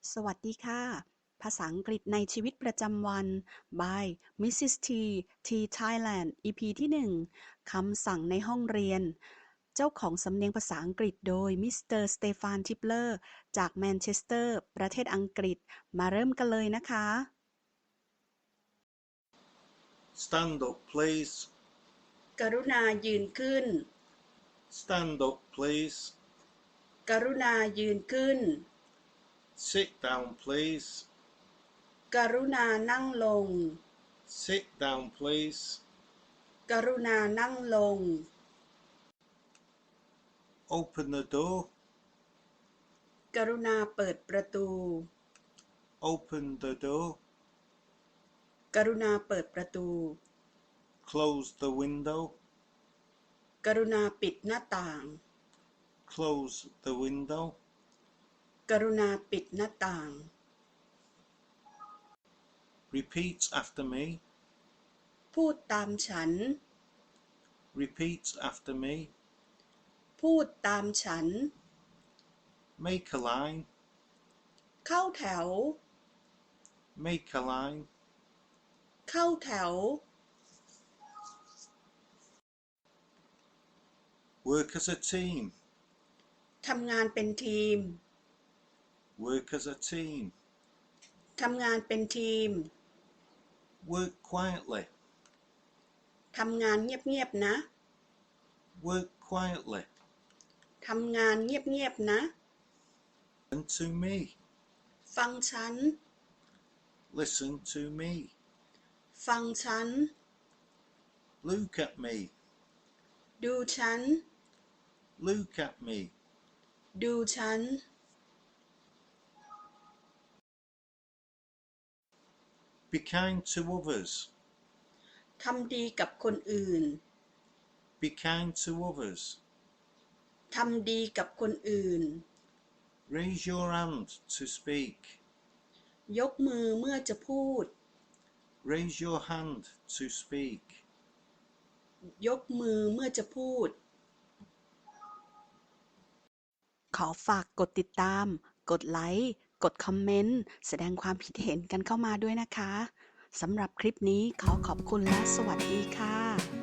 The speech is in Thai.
สวัสดีค่ะ ภาษาอังกฤษในชีวิตประจำวัน by Mrs. T T Thailand EP ที่ 1 คำสั่งในห้องเรียน เจ้าของสำเนียงภาษาอังกฤษโดยมิสเตอร์สเตฟาน ทิปเลอร์ จากแมนเชสเตอร์ ประเทศอังกฤษ มาเริ่มกันเลยนะคะ Stand up, please. กรุณายืนขึ้น Stand up, please. กรุณายืนขึ้น Sit down, please. กรุณานั่งลง Sit down, please. กรุณานั่งลง Open the door. กรุณาเปิดประตู Open the door. กรุณาเปิดประตู Close the window. กรุณาปิดหน้าต่าง Close the window. กรุณาปิดหน้าต่าง Repeat after me. พูดตามฉัน Repeat after me. พูดตามฉัน Make a line. เข้าแถว Make a line. เข้าแถว Work as a team. ทำงานเป็นทีม Work as a team. ทำงานเป็นทีม Work quietly. ทำงานเงียบๆนะ Work quietly. ทำงานเงียบๆนะ Listen to me. ฟังฉัน Listen to me. ฟังฉัน Look at me. ดูฉัน Look at me. ดูฉัน Be kind to others. ทำดีกับคนอื่น Be kind to others. ทำดีกับคนอื่น Raise your hand to speak. ยกมือเมื่อจะพูด Raise your hand to speak. ยกมือเมื่อจะพูด ขอฝากกดติดตาม กดไลค์ กดคอมเมนต์ แสดงความคิดเห็นกันเข้ามาด้วยนะคะ สำหรับคลิปนี้ขอขอบคุณและสวัสดีค่ะ